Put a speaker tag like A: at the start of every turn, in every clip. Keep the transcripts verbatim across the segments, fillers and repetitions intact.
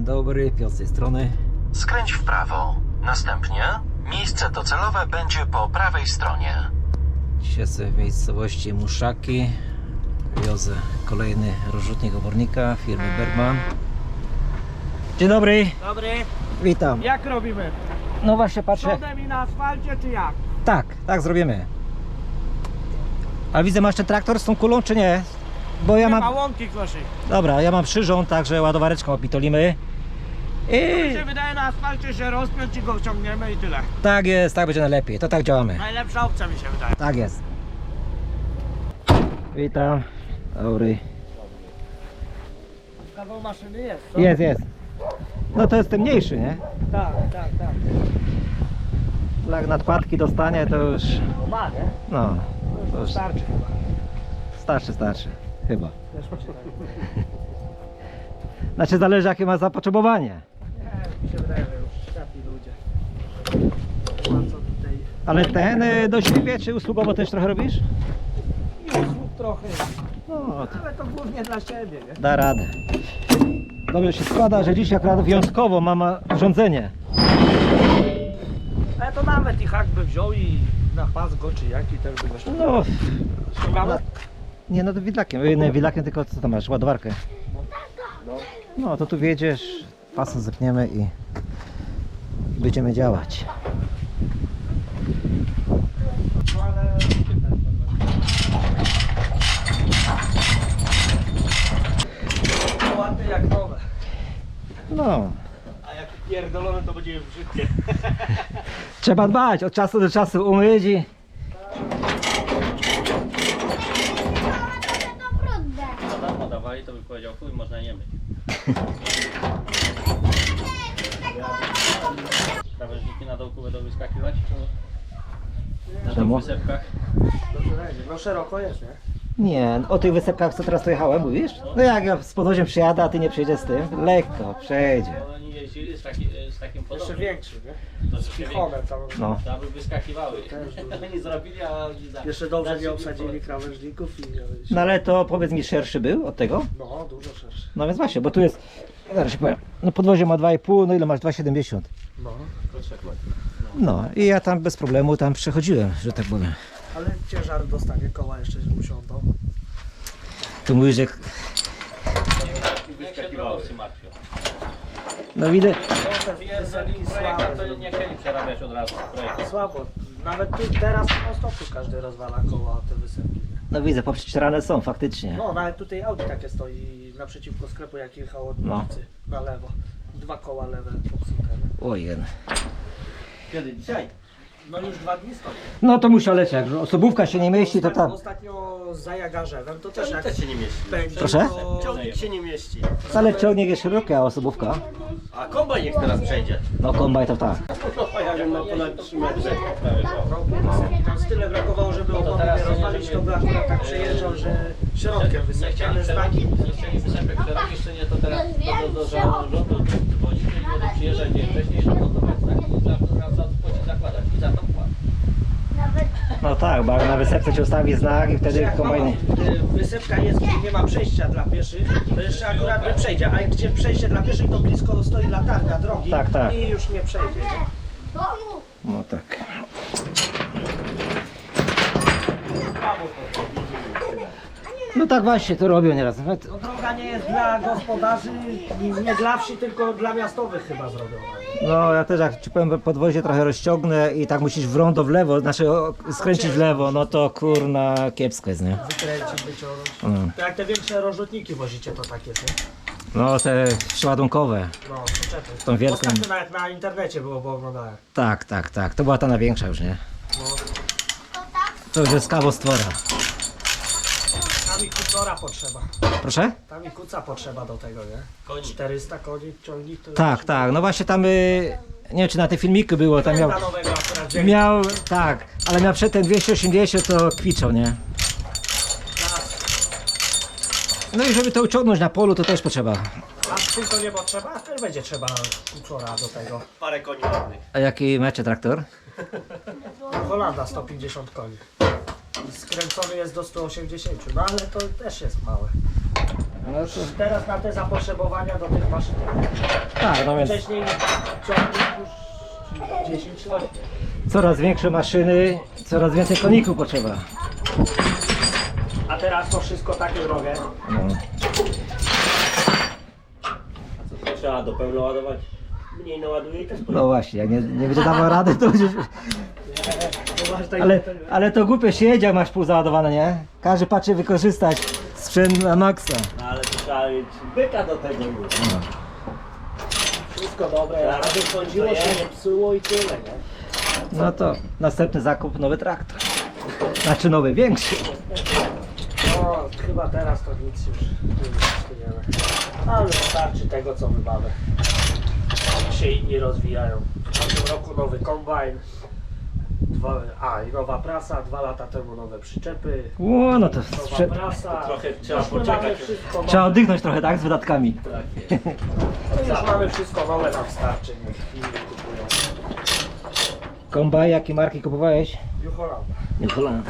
A: dobry, Piotr z tej strony.
B: Skręć w prawo. Następnie miejsce docelowe będzie po prawej stronie.
A: Dzisiaj sobie w miejscowości Muszaki wiozę kolejny rozrzutnik obornika firmy Bergman. Dzień dobry.
C: Dobry,
A: Witam.
C: jak robimy?
A: No właśnie patrzę.
C: Przodem i na asfalcie czy jak?
A: Tak, tak zrobimy. A widzę, masz ten traktor z tą kulą czy nie? Bo ja
C: Nie
A: mam...
C: ma łąki koszy.
A: Dobra, ja mam przyrząd, także ładowareczką opitolimy.
C: Mi
A: I
C: się wydaje, na asfalcie się rozpiąć i go wciągniemy i tyle.
A: tak jest, tak będzie najlepiej. To tak działamy.
C: Najlepsza opcja mi się wydaje.
A: Tak jest. Witam. Dobry.
C: Kawał maszyny jest, co?
A: Jest, jest. No to jest ten mniejszy, nie?
C: Tak, tak, tak.
A: Jak nadkładki dostanie, to już...
C: Ma, nie?
A: No,
C: To
A: to
C: już
A: już
C: starczy chyba.
A: starczy, starczy. Chyba.
C: Też mi się tak.
A: Znaczy zależy jakie ma zapotrzebowanie.
C: Nie, mi się wydaje, że już światli ludzie. A co tutaj?
A: Ale ten y, do siebie czy usługowo też trochę robisz?
C: I usług trochę.
A: No, to
C: Ale to głównie dla siebie, nie?
A: da radę. Dobrze się składa, że dziś akurat wyjątkowo mam urządzenie.
C: Ale to nawet i hak by wziął i na pas go czy jak i też by go ściągał.
A: No,
C: Ściągamy?
A: nie no to widlakiem, y, nie widlakiem, tylko co tam masz, ładowarkę. No to tu wjedziesz, pasem zepniemy i będziemy działać.
C: No ale... To ładne jak nowe.
A: No,
C: A jak pierdolone to będzie brzydkie.
A: trzeba dbać, od czasu do czasu umyć i...
D: Co tam podawali, to by powiedział, chuj, można nie myć. Krawężniki na dołku będą wyskakiwać? Czy na
A: Czemu?
D: tych wysepkach?
C: Dobrze będzie. No szeroko jest, nie?
A: Nie, o tych wysepkach co teraz tu jechałem, mówisz? No jak ja z podwoziem przyjadę, a ty nie przyjedziesz z tym? Lekko, przejdzie.
D: Bo oni jeździli z, taki, z takim
C: Jeszcze
D: podobnym.
C: większy, nie?
D: To jeszcze
C: Chichone tam.
A: No.
D: Tam by wyskakiwały.
C: Też dużo.
D: Oni zrobili, a oni za...
C: Jeszcze dobrze
D: zaczęli
C: nie obsadzili
D: po-
C: krawężników i...
A: No ale to powiedz mi, szerszy był od tego?
C: No, dużo szerszy.
A: No więc właśnie, bo tu jest, zaraz się powiem, no podwozie ma dwa i pół, no ile masz? dwa siedemdziesiąt.
C: No.
A: No i ja tam bez problemu tam przechodziłem, że tak powiem.
C: Ale ciężar dostanie, koła jeszcze usiądą.
A: Tu mówisz, że...
D: Jak się drogowcy martwią.
A: No widzę,
C: No, te
D: Jeżeli
C: wysepki
D: projektant to
C: słabe.
D: nie chcieli przerabiać od razu projektu.
C: Słabo. Nawet tu teraz po stopu każdy rozwala koła o te wysepki. Nie?
A: no widzę, poprzecinane są faktycznie.
C: No, nawet tutaj Audi takie stoi naprzeciwko sklepu, jak jechał od
A: No.
C: ulicy na lewo. Dwa koła lewe popsute. Nie?
A: Ojen.
D: Kiedy? Dzisiaj?
C: No już dwa dni stoi.
A: No to musi lecieć, jak osobówka się nie mieści, to tam...
C: Ostatnio za Jagarzewem to też jak
D: Też się nie mieści.
C: będzie,
A: Proszę?
C: to...
D: Ciągnik się nie mieści.
A: Ale ciągnik jest szeroki, a osobówka?
D: A kombajn niech teraz przejdzie.
A: No kombaj to tak.
D: No ja wiem, ma ponad trzy metry.
C: Tam z tyle brakowało, żeby opony
D: teraz
C: nie rozwalić, to by akurat tak przejeżdżał, że środkiem
D: Nie
C: wysypiane
D: chcieli
C: znaki.
D: nie chcieli wysepek szerokich, jeszcze nie, to teraz do, do, do rządu dzwonić i będą przyjeżdżać dzień wcześniej, żeby montować znaki i za, za, za zakładać i za to płacą.
A: No tak, bo jak na wysepce ci ustawi znak i wtedy
C: Jak
A: kombajny...
C: mama, y, wysepka jest, gdzie nie ma przejścia dla pieszych, to jeszcze akurat by przejdzie, a jak gdzie przejście dla pieszych, to blisko stoi latarnia drogi
A: Tak, tak.
C: i już nie przejdzie.
A: No tak. No tak właśnie to robią nieraz. Nawet...
C: No, droga nie jest dla gospodarzy, nie dla wsi, tylko dla miastowych chyba zrobiona.
A: No ja też jak ci powiem, podwozie trochę rozciągnę i tak musisz w rondo w lewo, znaczy o, skręcić w lewo, no to kurna kiepsko jest, nie?
C: Wykręcić, wyciągnąć.
A: Mm.
C: To jak te większe rozrzutniki wozicie, to tak jest, nie?
A: No te przeładunkowe.
C: No, przyczepy.
A: Tą wielką.
C: Ostatnio nawet na internecie było, bo oglądałem.
A: Tak, tak, tak. To była ta największa już, nie?
C: No.
A: To już jest kawał stwora.
C: Tam i kucora potrzeba.
A: Proszę?
C: Tam i kuca potrzeba do tego, nie?
D: Koni.
C: czterysta koni, ciągnik to...
A: Tak, tak. No właśnie tam, y, nie wiem czy na te filmiki było, tam miał...
C: Dla nowego akurat wzięli.
A: Miał, tak, ale miał przedtem dwieście osiemdziesiąt, to kwiczał, nie? No i żeby to uciągnąć na polu, to też potrzeba.
C: A z to nie potrzeba? Też będzie trzeba kucora do tego.
D: Parę koni ładnych.
A: A jaki macie traktor?
C: Holanda sto pięćdziesiąt koni. I skręcony jest do stu osiemdziesięciu, no ale to też jest małe.
A: No to...
C: Teraz na te zapotrzebowania do tych maszyn
A: Tak, no więc
C: Wcześniej ciągnik już dziesięć lat.
A: coraz większe maszyny, coraz więcej koników potrzeba.
C: A teraz to wszystko takie drogie.
A: No.
D: A co, trzeba do pełna ładować? Mniej naładuje i też
A: No właśnie, jak nie, nie będzie dawał rady, to będziesz...
C: To masz tak-
A: Ale, ale to głupie się jedzie, jak masz pół załadowane, nie? Każdy patrzy wykorzystać sprzęt na maksa.
D: No, ale to trzeba mieć byka do tego już.
C: Wszystko dobre,
D: Zaraz
C: aby chodziło się, nie psuło i tyle, nie?
A: No to następny zakup, nowy traktor. Znaczy nowy, większy.
C: No, chyba teraz to nic już nie ma. Ale wystarczy tego, co my mamy. Się inni rozwijają. W tamtym roku nowy kombajn. Dwa, a, i nowa prasa. Dwa lata temu nowe przyczepy.
A: Ło, no to
C: Nowa
A: sprze-
C: prasa.
D: Trochę trzeba
C: Już my mamy
D: poczekać.
C: wszystko
A: trzeba
C: nowe.
A: oddychnąć trochę, tak? Z wydatkami.
D: Tak.
C: No już mamy wszystko nowe, nam starczy. Niech inni kupują.
A: Kombaj, jakie marki kupowałeś?
C: New Holland.
A: New Holland.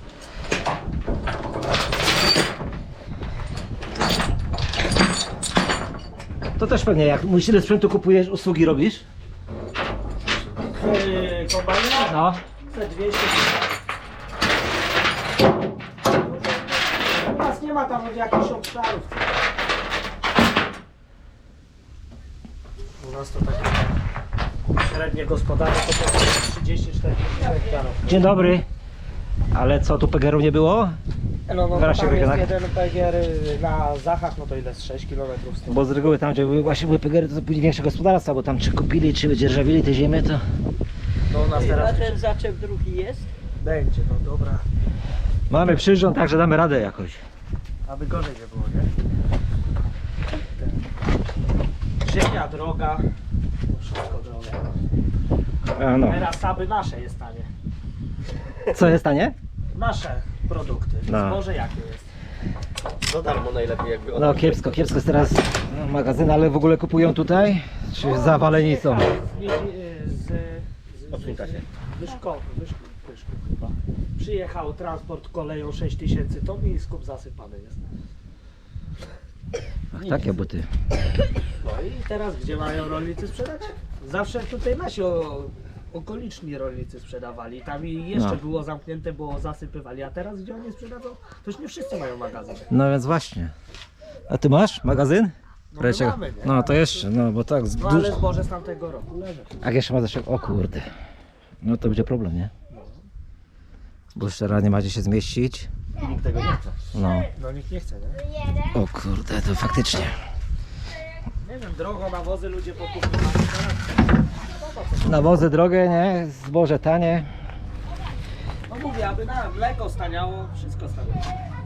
A: To też pewnie, jak mówisz, ile sprzętu kupujesz, usługi robisz?
C: Yy, kombajny?
A: No.
C: Te dwieście. U nas nie ma tam jakichś obszarów. U nas to takie średnie gospodarstwo to trzydzieści czterdzieści hektarów.
A: Dzień dobry. Ale co, tu pegerów nie było?
C: No, no
A: Zaraz
C: to
A: się
C: tam jest
A: wygadamy.
C: jeden pegier na Zachach, no to ile jest sześć kilometrów stąd.
A: Bo z reguły tam, gdzie były, właśnie były pegery, to później większe gospodarstwa, bo tam czy kupili, czy wydzierżawili te ziemię, to...
C: No u nas
E: A
C: teraz
E: ten zaczep drugi jest?
C: będzie, no dobra.
A: Mamy przyrząd, także damy radę jakoś.
C: Aby gorzej nie było, nie? Ten. Ziemia droga. To wszystko drogie.
A: A no.
C: Teraz aby nasze jest tanie.
A: Co jest tanie?
C: Nasze produkty.
A: No.
C: Zboże jakie jest?
D: Za darmo najlepiej jakby
A: No kiepsko, kiepsko jest teraz no, magazyn, ale w ogóle kupują tutaj? Czy zawaleni są?
C: Z, z, z,
D: Odsuńka się.
C: Wyszko, wyszko, wyszko chyba. Przyjechał transport koleją sześć tysięcy ton i skup zasypany jest.
A: Ach, takie buty.
C: No i teraz gdzie mają rolnicy sprzedać? Zawsze tutaj nasi o, okoliczni rolnicy sprzedawali. Tam i jeszcze
A: No.
C: było zamknięte, bo zasypywali. A teraz gdzie oni sprzedadzą? To już nie wszyscy mają magazyn.
A: No więc właśnie. A ty masz magazyn?
C: No my
A: Reczek.
C: mamy, nie?
A: No to jeszcze, no bo tak z
C: No ale
A: duż...
C: zboże z tamtego roku leży.
A: A jeszcze ma zaszek, o kurde. No to będzie problem, nie? Bo jeszcze raz nie macie się zmieścić.
D: I nikt tego nie chce.
A: No.
C: No nikt nie chce, nie?
A: O kurde, to faktycznie.
C: Nie wiem, drogo nawozy ludzie pokupują.
A: Nawozy drogie, nie? Zboże tanie.
C: No mówię, aby na mleko staniało, wszystko staniało.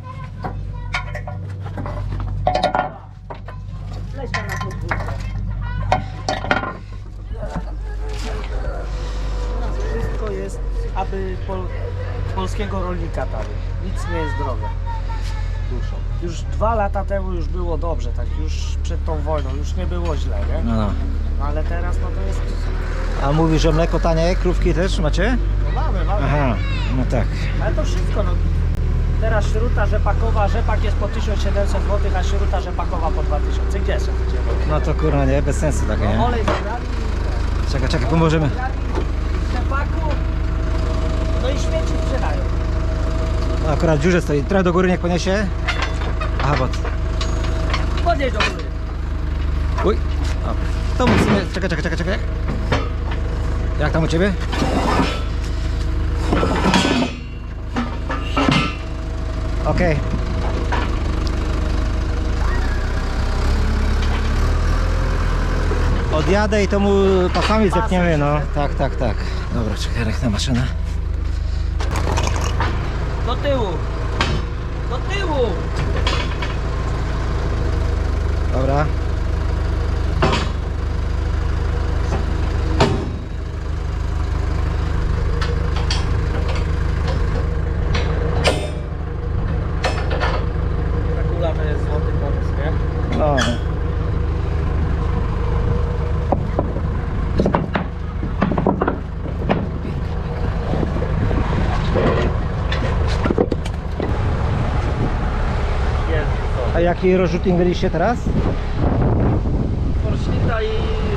C: Lećmy na podwórko. Teraz wszystko jest, aby pol, polskiego rolnika tanie. Nic nie jest drogie.
D: Duszą.
C: Już dwa lata temu już było dobrze, tak już przed tą wojną, już nie było źle, nie?
A: No, no.
C: No ale teraz no to jest...
A: A mówisz, że mleko tanie, krówki też macie?
C: No mamy, mamy.
A: Aha, no tak.
C: Ale to wszystko, no. Teraz śruta rzepakowa, rzepak jest po tysiąc siedemset złotych, a śruta rzepakowa po dwa tysiące. Gdzie jeszcze idziemy?
A: No to kurwa nie, bez sensu takie,
C: No,
A: nie?
C: olej zabrali,
A: Czekaj, czekaj, pomożemy.
C: zabrali z rzepaku, no i śmieci sprzedają.
A: No, akurat w dziurze stoi, trochę do góry niech poniesie. Aha, bo...
C: Podjedź do góry.
A: Uj, o, to musimy, czekaj, czekaj, czekaj, czekaj. Jak tam u Ciebie? Okej. Odjadę i to mu pasami zepniemy, no. Tak, tak, tak. Dobra, czekaj, rechna maszyna.
C: Do tyłu. Do tyłu.
A: Dobra.
C: Ta kula to jest złoty pomysł, nie?
A: No.
C: Jest.
A: A jaki rozrzutnik mieliście teraz?
C: Porśnita i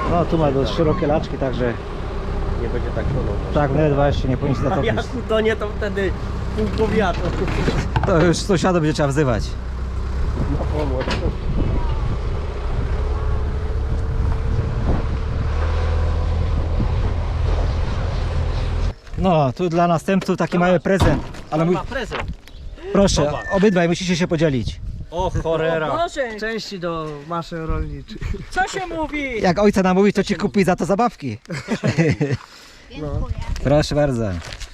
A: No tu ma dość szerokie laczki, także
C: Nie będzie tak szło.
A: tak ledwa jeszcze nie powinien się
C: A
A: zatopić.
C: jak utonie, to wtedy pół powiatu.
A: To już sąsiada będzie trzeba wzywać.
C: No pomoc.
A: No, tu dla następców taki mały prezent. Ale mój,
C: Ma prezent.
A: proszę,
C: Zobacz.
A: obydwaj musicie się podzielić.
C: O cholera.
E: Boże,
C: Części do maszyn rolniczych.
E: co się mówi?
A: Jak ojca namówi, to ci kupi za to zabawki.
E: Dziękuję.
A: Proszę bardzo.